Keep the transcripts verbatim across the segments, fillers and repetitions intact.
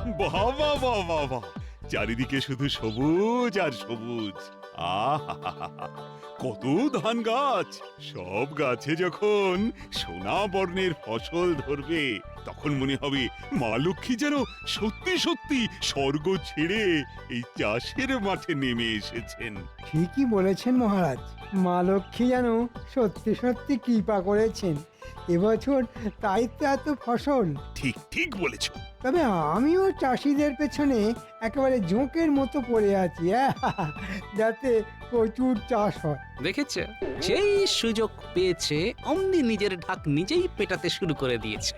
বাহ বাহ বাহ বাহ বাহ, চারিদিকে শুধু সবুজ আর সবুজ। আহা, কত ধান গাছ! সব গাছে যখন সোনা বর্ণের ফসল ধরবে তখন মনে হবে মা লক্ষ্মী যেন সত্যি সত্যি স্বর্গ ছেড়ে এই চাষের মাঠে নেমে এসেছেন। ঠিকই বলেছেন মহারাজ, মা লক্ষ্মী যেন সত্যি সত্যি কৃপা করেছেন এবছর, তাই তো এত ফসল। ঠিক ঠিক বলেছ। তবে আমিও চাষিদের পেছনে একেবারে জোঁকের মতো পড়ে আছি, আহ, যাতে প্রচুর চাষ হয়। দেখেছে, যেই সুযোগ পেয়েছে অমনি নিজের ঢাক নিজেই পেটাতে শুরু করে দিয়েছে।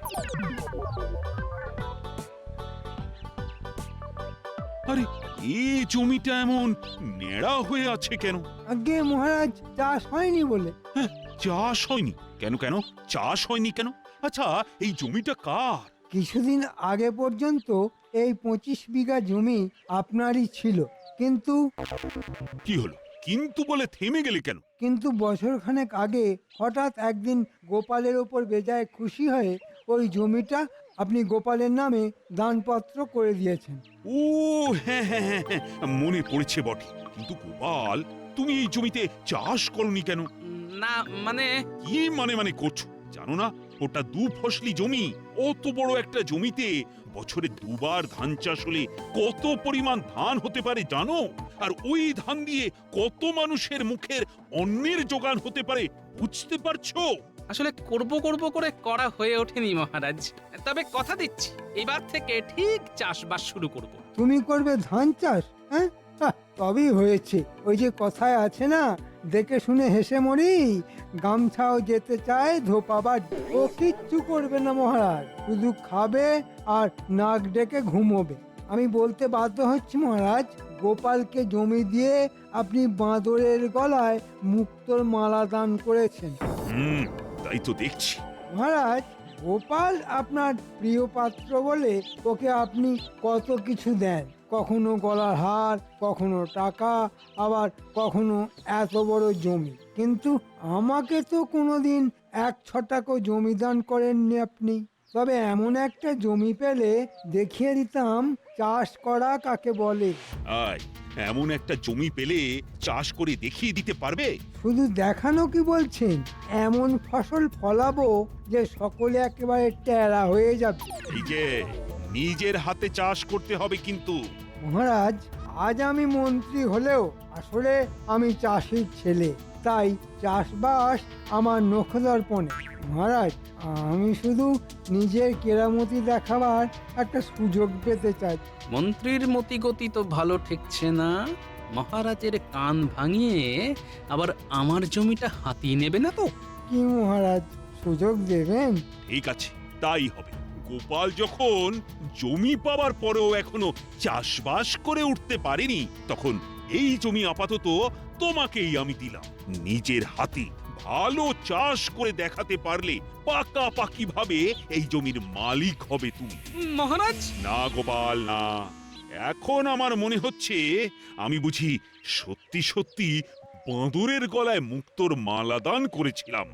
আরে এই জমিটা এমন নেড়া হয়ে আছে কেন? আগে মহারাজ, চাষ হয়নি বলে। হ্যাঁ, চাষ হয়নি কেন? কেন চাষ হয়নি কেন? আচ্ছা, এই জমিটা কার? কিছুদিন আগে পর্যন্ত এই পঁচিশ বিঘা জমি আপনারই ছিল, কিন্তু কি হলো কিন্তু বলে থেমে গেলে কেন? কিন্তু বছরখানেক আগে হঠাৎ একদিন গোপালের ওপর বেজায় খুশি হয়ে ওই জমিটা আপনি গোপালের নামে দানপত্র করে দিয়েছেন। ও হ্যাঁ হ্যাঁ হ্যাঁ হ্যাঁ, মনে পড়েছে বটে। কিন্তু গোপাল, তুমি এই জমিতে চাষ করনি কেন? না মানে, কি মানে মানে করছো? জানো না ওটা দু ফসলি জমি? অত বড় একটা জমিতে বছরে দুবার ধান চাষ হলে কত পরিমাণ ধান হতে পারে জানো? আর ওই ধান দিয়ে কত মানুষের মুখের অন্নের যোগান হতে পারে বুঝতে পারছো? আসলে করব করব করে করা হয়ে ওঠেনি মহারাজ। তবে কথা দিচ্ছি, এবার থেকে ঠিক চাষবাস শুরু করব। তুমি করবে ধান চাষ? হ্যাঁ, হাহ, তবেই হয়েছে। ওই যে কথায় আছে না, দেখে শুনে হেসে মরি, গামছাও যেতে চায় ধোপাবার। ও কিচ্ছু করবে না মহারাজ, শুধু খাবে আর নাক ডেকে ঘুমোবে। আমি বলতে বাধ্য হচ্ছি মহারাজ, গোপালকে জমি দিয়ে আপনি বাঁদরের গলায় মুক্তোর মালা দান করেছেন। হুম, তাই তো দেখছি। মহারাজ, গোপাল আপনার প্রিয় পাত্র বলে ওকে আপনি কত কিছু দেন, কখনো গলার হার, কখনো টাকা, আবার কখনো এত বড় জমি। কিন্তু আমাকে তো কোনোদিন এক ছটাকও জমি দান করেননি আপনি। তবে এমন একটা জমি পেলে দেখিয়ে দিতাম চাষ করা কাকে বলে। আয়, এমন একটা জমি পেলে চাষ করে দেখিয়ে দিতে পারবে? শুধু দেখানো কি বলছেন, এমন ফসল ফলাবো যে সকলে একেবারে টেরা হয়ে যাবে। এই যে নিজের হাতে চাষ করতে হবে কিন্তু। মহারাজ, আজ আমি মন্ত্রী হলেও আসলে আমি চাষির ছেলে, তাই চাষবাস আমার নখদর্পণে। মহারাজ, আমি শুধু নিজের কেরামতি দেখাবার একটা সুযোগ পেতে চাই। মন্ত্রীর মতিগতি তো ভালো ঠেকছে না। মহারাজের কান ভাঙিয়ে আবার আমার জমিটা হাতিয়ে নেবে না তো? কি মহারাজ, সুযোগ দেবেন? ঠিক আছে, তাই হবে। গোপাল যখন জমি পাওয়ার পরেও এখনো চাষবাস করে উঠতে পারেনি, তখন এই জমি আপাতত তোমাকেই আমি দিলাম। নিজের হাতে ভালো চাষ করে দেখাতে পারলে পাকাপাকি ভাবে এই জমির মালিক হবে তুমি। মহারাজ, না গোপাল না, এখন আমার মনে হচ্ছে আমি বুঝি সত্যি সত্যি বাঁদরের গলায় মুক্তোর মালা দান করেছিলাম।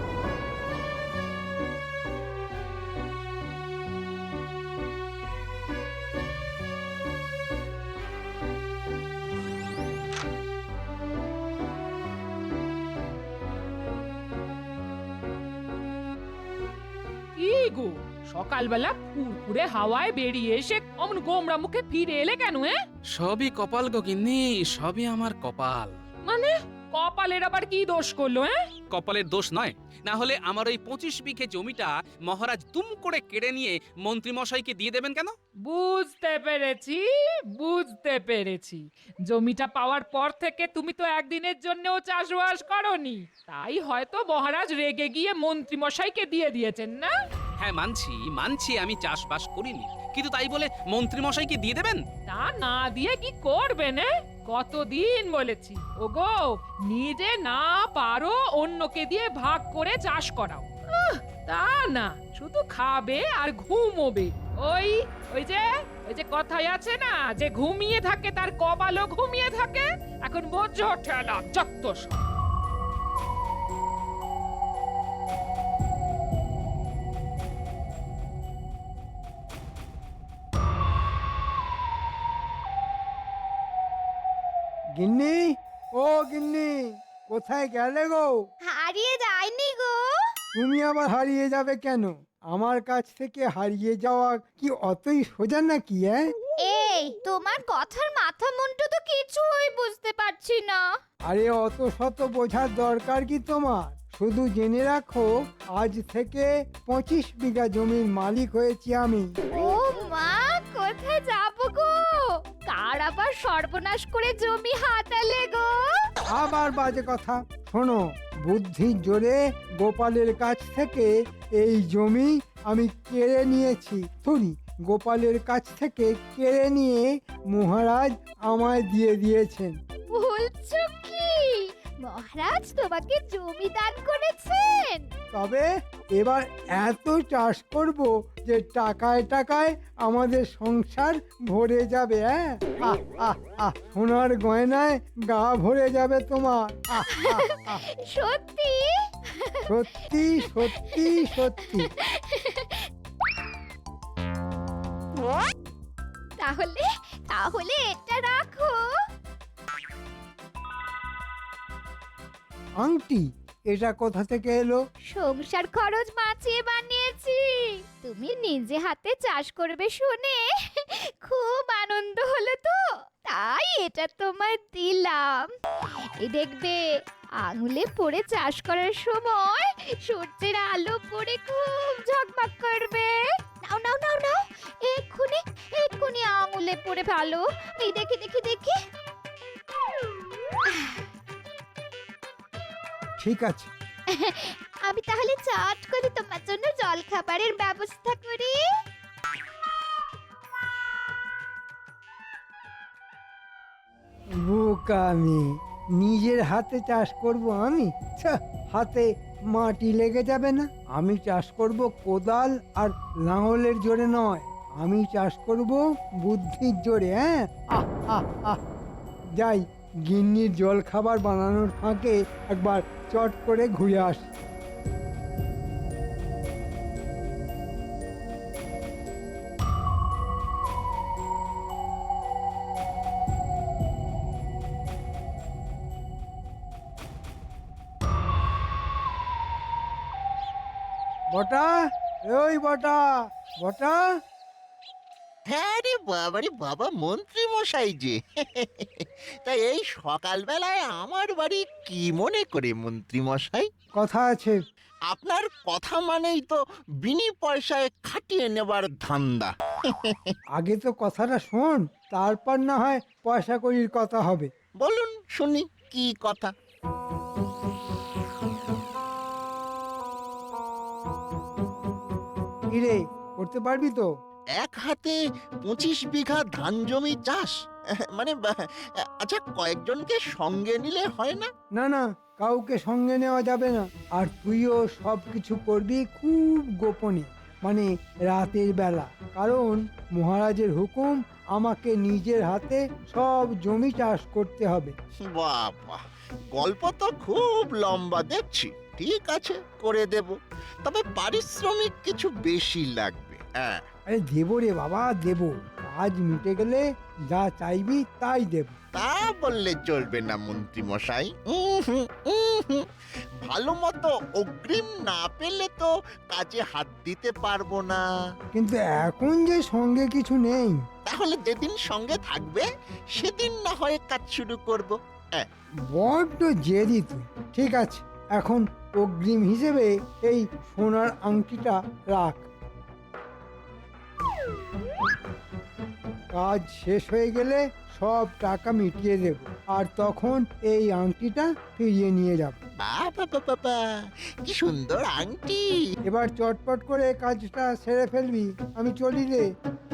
কি গো, সকালবেলা ফুরফুরে হাওয়ায় বেরিয়ে এসে অমন গোমরা মুখে ফিরে এলে কেন? হ্যাঁ, সবই কপাল গো গিন্নি, সবই আমার কপাল। মানে কপালের আবার কি দোষ করলো? হ্যাঁ, কপালের দোষ নয়, না হলে আমার ওই পঁচিশ বিঘে জমিটা মহারাজ তুম করে কেড়ে নিয়ে মন্ত্রী মশাইকে দিয়ে দেবেন কেন? বুঝতে পেরেছি বুঝতে পেরেছি জমিটা পাওয়ার পর থেকে তুমি তো একদিনের জন্যও চাষবাস করনি, তাই হয়তো মহারাজ রেগে গিয়ে মন্ত্রী মশাইকে দিয়ে দিয়েছেন না? হ্যাঁ মানছি মানছি আমি চাষবাস করিনি, কিন্তু তাই বলে মন্ত্রী মশাইকে দিয়ে দেবেন? তা না দিয়ে কি করবেন? কতদিন বলেছি, ওগো নিজে না পারো অন্যকে দিয়ে ভাগ করে চাষ করাও। আহ, তা না, শুধু খাবে আর ঘুমোবে। ওই ওই যে ওই যে কথাই আছে না, যে ঘুমিয়ে থাকে তার কপালও ঘুমিয়ে থাকে। এখন বোঝো ঠেলা যত সব। গিন্নি, ও গিন্নি, কোথায় গেলে গো? হারিয়ে যায়নি গো। তুমি আবার হারিয়ে যাবে কেন? আমার কাছ থেকে হারিয়ে যাওয়া কি অতই সোজা নাকি? হ্যাঁ, এই তোমার কথার মাথা মুন্ডু তো কিছুই বুঝতে পারছি না। আরে অত শত বোঝার দরকার কি তোমার? শুধু জেনে রাখো, আজ থেকে পঁচিশ বিঘা জমির মালিক হয়েছি আমি। ও মা, কোথায় যাব গো? কার আবার সর্বনাশ করে জমি হাতালে গো? আবার বাজে কথা। শোনো, বুদ্ধির জোরে গোপালের কাছ থেকে এই জমি আমি কেড়ে নিয়েছি। সরি, গোপালের কাছ থেকে কেড়ে নিয়ে মহারাজ আমায় দিয়ে দিয়েছেন। বলছো কি মহারাজ তোমাকে জমি দান করেছেন? তবে এবার এত চাষ করব যে টাকায় টাকায় আমাদের সংসার ভরে যাবে। হ্যাঁ, আহ আহ আহ সোনার গয়নায় গা ভরে যাবে তোমার। আহ আহ আহ সত্যি? সত্যি সত্যি সত্যি। তাহলে তাহলে এটা রাখো। আংটি? এটা কোথা থেকে এলো? সংসার খরচ বাঁচিয়ে বানিয়েছি। তুমি নিজে হাতে চাষ করবে শুনে খুব আনন্দ হলো তো, তাই এটা তোমায় দিলাম। এই দেখবে, আঙুলে পড়ে চাষ করার সময় সূর্যের আলো পড়ে খুব ঝকমক করবে। নাও নাও নাও নাও, এক্ষুনি এক্ষুনি আঙুলে পড়ে ভালো। এই দেখি দেখি দেখি। ঠিক আছে, আমি তাহলে চট করে তোমার জন্য জল খাবারের ব্যবস্থা করি। বোকা আমি, নিজের হাতে চাষ করব আমি? ছ্যা, হাতে মাটি লেগে যাবে না? আমি চাষ করব কোদাল আর লাঙলের জোরে নয়, আমি চাষ করব বুদ্ধির জোরে। হ্যাঁ, আহ আহ আহ যাই, গিন্নির জল খাবার বানানোর ফাঁকে একবার চট করে ঘুরে আসি। বটা, ওই বটা, বটা। হ্যাঁ রে বাবা রে বাবা, মন্ত্রী মশাই যে তাই এই সকালবেলায় আমার বাড়ি কি মনে করে মন্ত্রী মশাই? কথা আছে। আপনার কথা মানেই তো বিনি পয়সায় খাটিয়ে নেবার ধান্দা। আগে তো কথাটা শোন, তারপর না হয় পয়সা কড়ির কথা হবে। বলুন শুনি কি কথা। কিরে, করতে পারবি তো? এক হাতে পঁচিশ বিঘা ধান জমি চাষ, মানে বা- আচ্ছা, কয়েকজনকে সঙ্গে নিলে হয় না? না না, কাউকে সঙ্গে নেওয়া যাবে না। আর তুইও সব কিছু করবি খুব গোপনে, মানে রাতের বেলা। কারণ মহারাজের হুকুম, আমাকে নিজের হাতে সব জমি চাষ করতে হবে। বাবা, গল্প তো খুব লম্বা দেখছি। ঠিক আছে, করে দেব, তবে পারিশ্রমিক কিছু বেশি লাগবে। হ্যাঁ, আরে দেবো রে বাবা, দেবো। কাজ মিটে গেলে যা চাইবি তাই দেব। তা বললে চলবে না মন্ত্রী মশাই। ভালো মতো অগ্রিম না পেলে তো কাজে হাত দিতে পারবো না। কিন্তু এখন যে সঙ্গে কিছু নেই। তাহলে যেদিন সঙ্গে থাকবে সেদিন না হয় কাজ শুরু করব। হ্যাঁ, বড্ড জেদি তুই। ঠিক আছে, এখন অগ্রিম হিসেবে এই সোনার আংটিটা রাখ। কাজ শেষ হয়ে গেলে সব টাকা মিটিয়ে দেব, আর তখন এই আংটিটা ফিরিয়ে নিয়ে যাব। বাবা বাবা, কি সুন্দর আংটি। এবার চটপট করে কাজটা সেরে ফেলবি, আমি চলি রে।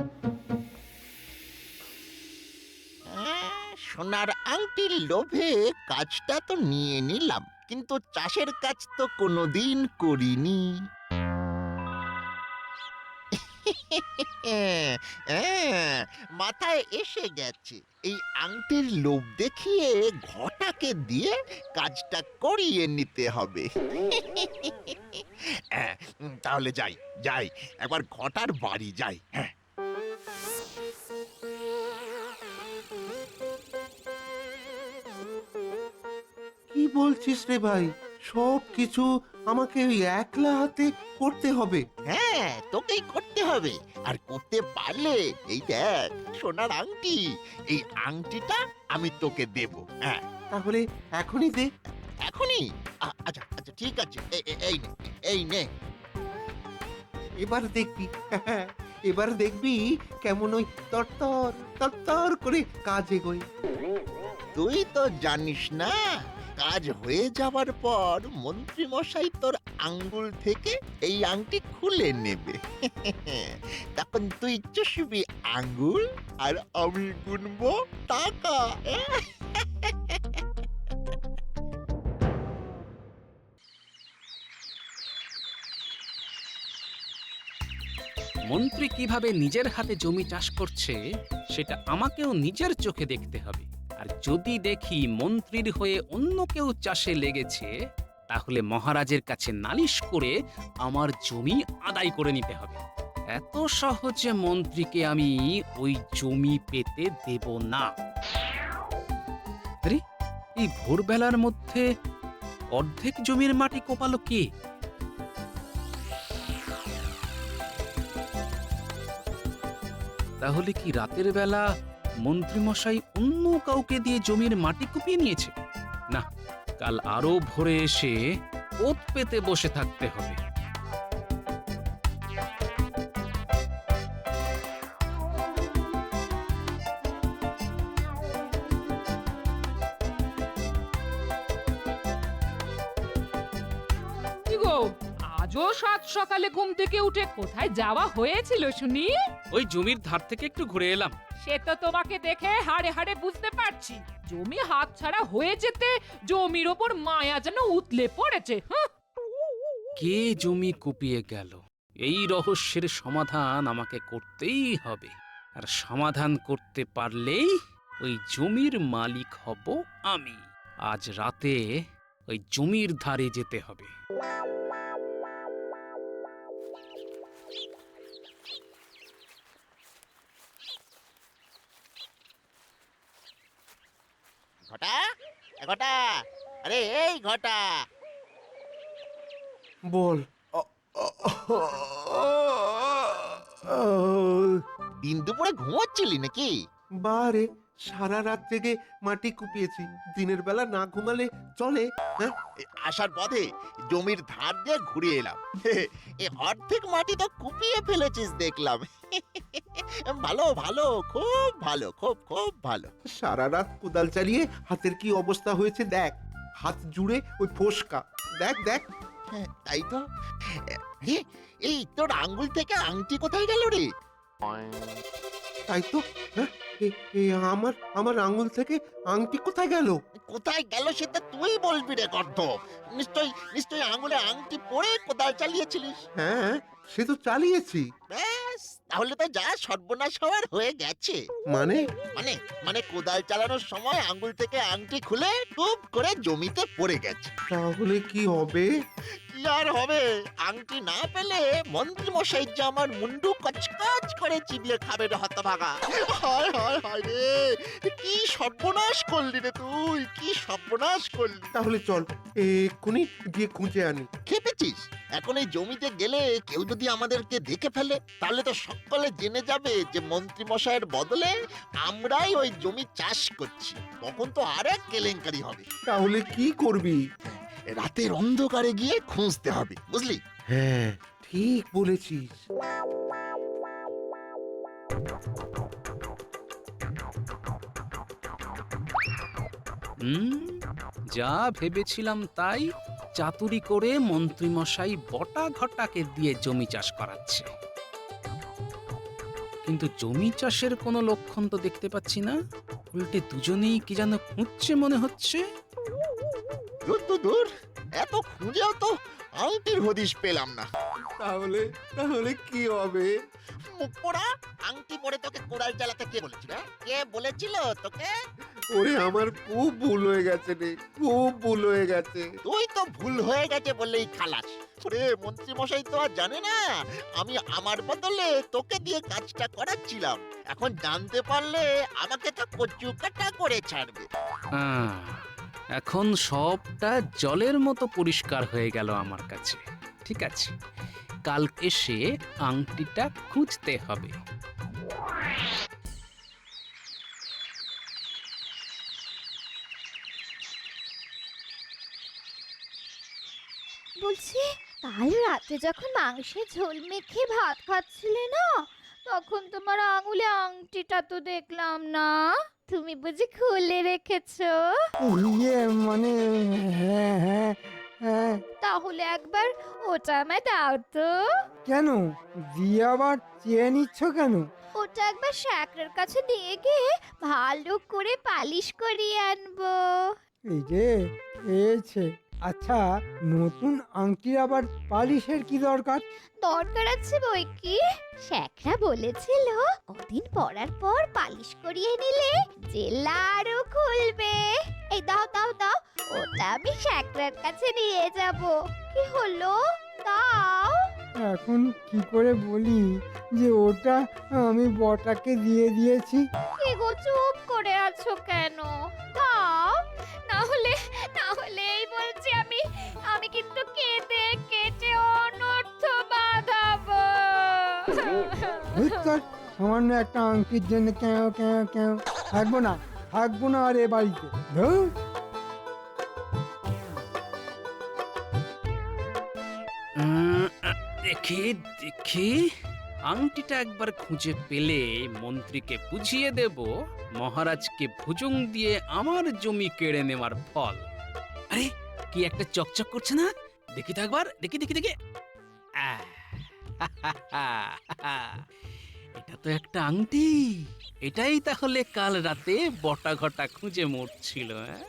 হ্যাঁ, সোনার আংটির লোভে কাজটা তো নিয়ে নিলাম, কিন্তু চাষের কাজ তো কোনোদিন করিনি। হ্যাঁ, মাথায় এসে গেছে, এই আংটির লোভ দেখিয়ে ঘটাকে দিয়ে কাজটা করিয়ে নিতে হবে। হ্যাঁ, তাহলে যাই যাই একবার ঘটার বাড়ি যাই। হ্যাঁ, বলছিস রে ভাই? সব কিছু আমাকে ওই একলা হাতে করতে হবে? হ্যাঁ, তোকেই করতে হবে। আর করতে পারলে এই দেখ সোনার আংটি, এই আংটিটা আমি তোকে দেব। হ্যাঁ, তাহলে এখনই দে। এখনই? আ- আচ্ছা আচ্ছা ঠিক আছে, এ- এ- এই নে, এই নে। এবার দেখবি এবার দেখবি কেমন ওই তরতর তরতর করে কাজ এগোয়। তুই তো জানিস না, কাজ হয়ে যাবার পর মন্ত্রী মশাই তোর আঙ্গুল থেকে এই আংটি খুলে নেবে। তখন তুই চুষবি আঙ্গুল আর আমি গুনবো টাকা। মন্ত্রী কিভাবে নিজের হাতে জমি চাষ করছে সেটা আমাকেও নিজের চোখে দেখতে হবে। আর যদি দেখি মন্ত্রীর হয়ে অন্য কেউ চাষে লেগেছে, তাহলে মহারাজের কাছে নালিশ করে আমার জমি আদায় করে নিতে হবে। এত সহজে মন্ত্রীকে আমি ওই জমি পেতে দেব না। আরে, এই ভোরবেলার মধ্যে অর্ধেক জমির মাটি কোপালো কে? তাহলে কি রাতের বেলা মন্ত্রীমশাই অন্য কাউকে দিয়ে জমির মাটি কুপিয়ে নিয়েছে? না, কাল আরো ভোরে এসে ওত পেতে বসে থাকতে হবে। কি গো, আজও সাত সকালে ঘুম থেকে উঠে কোথায় যাওয়া হয়েছিল শুনি? ওই জমির ধার থেকে একটু ঘুরে এলাম। সে তো তোমাকে দেখে হাড়ে হাড়ে বুঝতে পারছি। জমি হাতছাড়া হয়ে যেতে জমির ওপর মায়া যেন উতলে পড়েছে। হুঁ। কে জমি কুপিয়ে গেল, এই রহস্যের সমাধান আমাকে করতেই হবে। আর সমাধান করতে পারলেই ওই জমির মালিক হব আমি। আজ রাতে ওই জমির ধারে যেতে হবে। ঘটা, এ ঘটা, আরে এই ঘটা। বল। দিন দুপুরে ঘুমোচ্ছিলি নাকি? বারে, সারা রাত জেগে মাটি কুপিয়েছি। দিনের বেলা না ঘুমালে চলে? হ্যাঁ, এ, আসার পথে জমির ধার দিয়ে ঘুরে এলাম। এ অর্ধেক মাটি তো কুপিয়ে ফেলেছিস দেখলাম। ভালো ভালো, খুব ভালো, খুব খুব ভালো। সারা রাত কোদাল চালিয়ে হাতের কি অবস্থা হয়েছে দেখ। হাত জুড়ে ওই ফোসকা, দেখ দেখ। হ্যাঁ, তাই তো। এ, এই তোর আঙ্গুল থেকে আংটি কোথায় গেল রে? তাই তো। হ্যাঁ, এ- এ আমার আমার আঙুল থেকে আংটি কোথায় গেল? কোথায় গেল সেটা তুই বলবি রে গর্ধ। নিশ্চয় নিশ্চয় আঙুলে আংটি পরে কোদাল চালিয়েছিলিস। হ্যাঁ, সে তো চালিয়েছি। ব্যাস, তাহলে তো যা সর্বনাশ হওয়ার হয়ে গেছে। মানে? মানে মানে কোদাল চালানোর সময় আঙ্গুল থেকে আংটি খুলে টুপ করে জমিতে পড়ে গেছে। তাহলে কি হবে? কি আর হবে, আংটি না পেলে মন্ত্রী মশাই যে আমার মুন্ডু কচকচ করে চিবিয়ে খাবে রে হতভাগা। হায় হায় হায় রে, কি সর্বনাশ করলি রে তুই, কি সর্বনাশ করলি। তাহলে চল এক্ষুনি গিয়ে খুঁজে আনি। খেপেছিস? এখন এই জমিতে গেলে কেউ যদি আমাদেরকে দেখে ফেলে, তাহলে তো সকলে জেনে যাবে যে মন্ত্রী মশাইয়ের বদলে আমরাই ওই জমি চাষ করছি। তখন তো আরেক কেলেঙ্কারি হবে। তাহলে কি করবি? রাতের অন্ধকারে গিয়ে খুঁজতে হবে, বুঝলি? হ্যাঁ, ঠিক বলেছিস। হুম, যা ভেবেছিলাম তাই। চাতুরি করে মন্ত্রীমশাই বটা ঘটাকে দিয়ে জমি চাষ করাচ্ছে। কিন্তু জমি চাষের কোনো লক্ষণ তো দেখতে পাচ্ছি না। উল্টে দুজনেই কি যেন খুঁজছে মনে হচ্ছে। দূর দূর দূর, এত খুঁজেও তো আংটির হদিশ পেলাম না। তাহলে তাহলে কি হবে? মুখ পোড়া, আংটি পরে তোকে কোদাল চালাতে কে বলেছিল? কে বলেছিল তোকে? ওরে, আমার খুব ভুল হয়ে গেছে রে, খুব ভুল হয়ে গেছে। তুই তো ভুল হয়ে গেছে বললেই খালাস। ওরে মন্ত্রী মশাই তো আর জানে না আমি আমার বদলে তোকে দিয়ে কাজটা করাচ্ছিলাম। এখন জানতে পারলে আমাকে তো কচু কাটা করে ছাড়বে। আহ, এখন সবটা জলের মতো পরিষ্কার হয়ে গেল আমার কাছে। ঠিক আছে, কাল এসে আংটিটা খুঁজতে হবে। বলছি, কাল রাতে যখন মাংসের ঝোল মেখে ভাত খাচ্ছিলে না, তখন তোমার আঙুলে আংটিটা তো দেখলাম না। তুমি বুঝি খুলে রেখেছো? ইয়ে মানে হ্যাঁ হ্যাঁ হ্যাঁ। তাহলে একবার ওটা আমায় দাও তো। কেন দিয়ে আবার চেয়ে নিচ্ছ কেন? ওটা একবার শ্যাকরের কাছে দিয়ে গিয়ে ভালো করে পালিশ করিয়ে আনবো। এই যে পেয়েছে। আচ্ছা, নতুন আংটির আবার পালিশের কি দরকার? দরকার আছে বই কি। শ্যাকরা বলেছিল কদিন পরার পর পালিশ করিয়ে নিলে জেলা আরো খুলবে। এই দাও দাও দাও, ওটা আমি শ্যাকরার কাছে নিয়ে যাব। কি হলো, দাও। এখন কি করে বলি যে ওটা আমি বটাকে দিয়ে দিয়েছি? কি গো, চুপ করে আছো কেন? দাও, না হলে না হলে এই বলছি আমি আমি কিন্তু কেঁদে কেটে অনর্থ বাঁধাবো। ধুত্তর, সামান্য একটা আংটির জন্য কেন কেন কেন থাকবো না থাকবো না আর এ বাড়িতে। ধুর। উম, আহ, দেখি দেখি আংটিটা একবার খুঁজে পেলে মন্ত্রীকে বুঝিয়ে দেব মহারাজকে ভুজুং দিয়ে আমার জমি কেড়ে নেওয়ার ফল। আরে কি একটা চকচক করছে না, দেখি তো একবার, দেখি দেখি দেখি। আহ, এটা তো একটা আংটি। এটাই তাহলে কাল রাতে বটা ঘটা খুঁজে মরছিল। হ্যাঁ?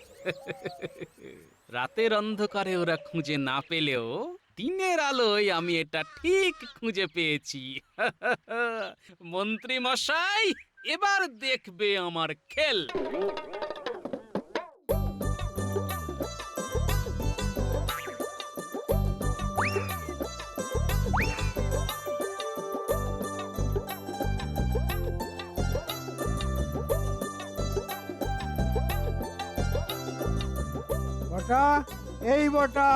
রাতের অন্ধকারে ওরা খুঁজে না পেলেও দিনের আলোয় আমি এটা ঠিক খুঁজে পেয়েছি। মন্ত্রী মশাই, এবার দেখবে আমার খেল। বটা, এই বটা।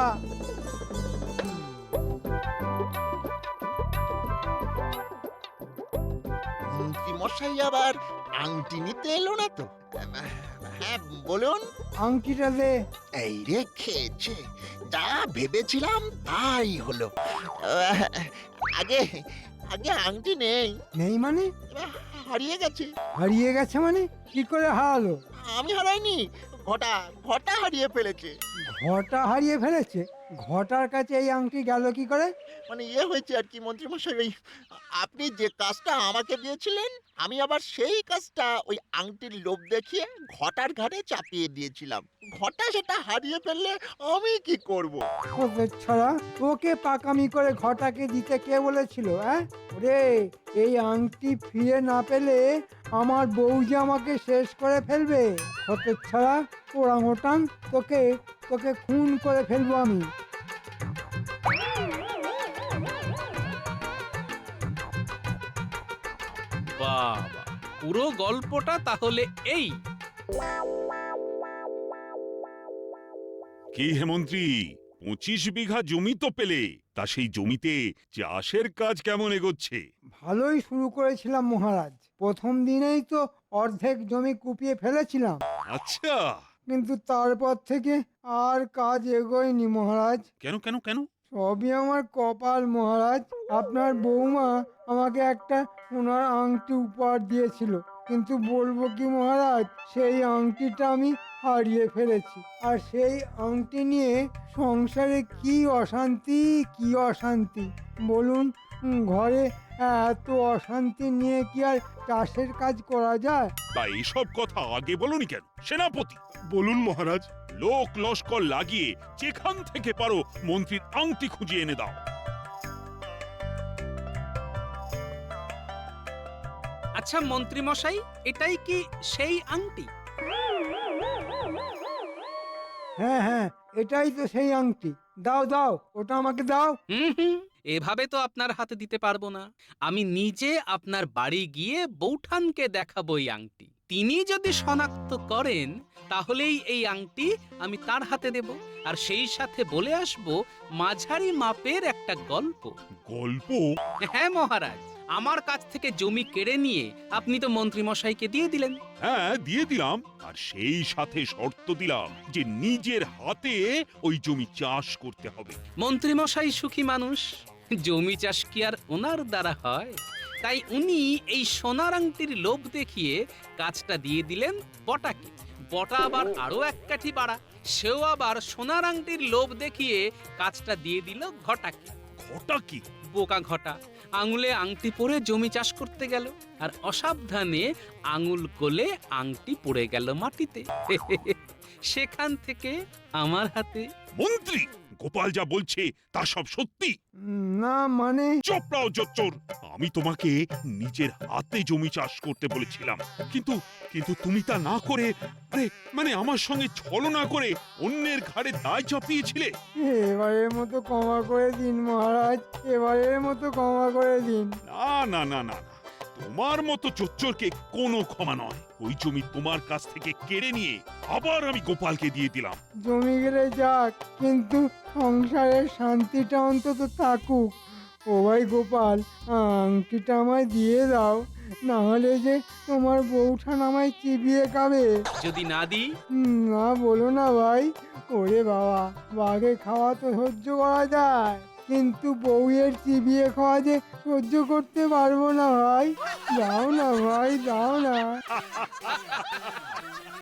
মন্ত্রী মশাই আবার আংটি নিতে এলো না তো? হ্যাঁ বলুন। আংটিটা দে। এই রে খেয়েছে, যা ভেবেছিলাম তাই হলো। আহ, আগে আগে আংটি নেই, নেই মানে? হারিয়ে গেছে। হারিয়ে গেছে মানে? কি করে হারালো? আমি হারাইনি, ঘটা ঘটা হারিয়ে ফেলেছে। ঘটা হারিয়ে ফেলেছে? ঘটার কাছে এই আংটি গেল কি করে? মানে ইয়ে হয়েছে আর কি মন্ত্রী মশাই, ওই আপনি যে কাজটা আমাকে দিয়েছিলেন, আমি আবার সেই কাজটা ওই আংটির লোভ দেখিয়ে ঘটার ঘাড়ে চাপিয়ে দিয়েছিলাম। ঘটা সেটা হারিয়ে ফেললে আমি কি করব? ওকে ছড়া, ওকে পাকামি করে ঘটাকে দিতে কে বলেছিল? হ্যাঁ ওরে, এই আংটি ফিরে না পেলে আমার বউ যে আমাকে শেষ করে ফেলবে। ওকে ছড়া, ওরাং ওটাং, তোকে তোকে খুন করে ফেলবো আমি। বাবা, পুরো গল্পটা তাহলে এই। কি হে মন্ত্রী, পঁচিশ বিঘা জমি তো পেলে, তা সেই জমিতে চাষের কাজ কেমন এগোচ্ছে? ভালোই শুরু করেছিলাম মহারাজ। প্রথম দিনেই তো অর্ধেক জমি কুপিয়ে ফেলেছিলাম, আচ্ছা, কিন্তু তারপর থেকে আর কাজ এগোয়নি মহারাজ। কেন কেন কেন? সবই আমার কপাল মহারাজ। আপনার বৌমা আমাকে একটা সোনার আংটি উপহার দিয়েছিল, কিন্তু বলবো কি মহারাজ, সেই আংটিটা আমি হারিয়ে ফেলেছি। আর সেই আংটি নিয়ে সংসারে কি অশান্তি কি অশান্তি বলুন। উম, ঘরে এত অশান্তি নিয়ে কি আর চাষের কাজ করা যায়? তা এইসব কথা আগে বলনি কেন সেনাপতি? বলুন মহারাজ। লোক লস্কর লাগিয়ে যেখান থেকে পারো মন্ত্রীর আংটি খুঁজে এনে দাও। আচ্ছা মন্ত্রী মশাই, এটাই কি সেই আংটি? হ্যাঁ হ্যাঁ, এটাই তো সেই আংটি। দাও দাও, ওটা আমাকে দাও। হুম হুম, এভাবে তো আপনার হাতে দিতে পারবো না। আমি নিজে আপনার বাড়ি গিয়ে বৌঠানকে দেখাবো এই আংটি। তিনি যদি শনাক্ত করেন তাহলেই এই আংটি আমি তার হাতে দেব, আর সেই সাথে বলে আসব মাঝারি মাপের একটা গল্প। গল্প? হ্যাঁ মহারাজ, আমার কাছ থেকে জমি কেড়ে নিয়ে আপনি তো মন্ত্রী মশাইকে দিয়ে দিলেন। হ্যাঁ, দিয়ে দিলাম, আর সেই সাথে শর্ত দিলাম যে নিজের হাতে ওই জমি চাষ করতে হবে। মন্ত্রী মশাই সুখী মানুষ, জমি চাষ কি আর ওনার দ্বারা হয়? তাই উনি এই সোনার আংটির লোভ দেখিয়ে কাজটা দিয়ে দিলেন বটাকে। বটা আবার আরো এক কাঠি বাড়া, সেও আবার সোনার আংটির লোভ দেখিয়ে কাজটা দিয়ে দিল ঘটাকে। ঘটা কি? বোকা ঘটা আঙুলে আংটি পরে জমি চাষ করতে গেল, আর অসাবধানে আঙুল গলে আংটি পড়ে গেল মাটিতে। সেখান থেকে আমার হাতে। মন্ত্রী, গোপাল যা বলছে তা সব সত্যি? উম, না মানে চোপড়াও জোচ্চোর, আমি তোমাকে নিজের হাতে জমি চাষ করতে বলেছিলাম, কিন্তু কিন্তু তুমি তা না করে, আরে মানে আমার সঙ্গে ছলনা করে অন্যের ঘাড়ে দায় চাপিয়েছিলে। এবারের মতো ক্ষমা করে দিন মহারাজ, এবারের মতো ক্ষমা করে দিন। না না না না না, তোমার মতো চোচ্চরকে কোনো ক্ষমা নয়। ওই জমি তোমার কাছ থেকে কেড়ে নিয়ে আবার আমি গোপালকে দিয়ে দিলাম। জমি গেলে যাক, কিন্তু সংসারের শান্তিটা অন্তত থাকুক। ও ভাই গোপাল, আংটিটা আমায় দিয়ে দাও, না হলে যে তোমার বউঠান আমায় চিবিয়ে খাবে। যদি না দিই? হুম, না বলো না ভাই। ওরে বাবা, বাঘে খাওয়া তো সহ্য করা যায়, কিন্তু বউয়ের চিবিয়ে খাওয়া যে সহ্য করতে পারবো না ভাই। দাও না ভাই, দাও না।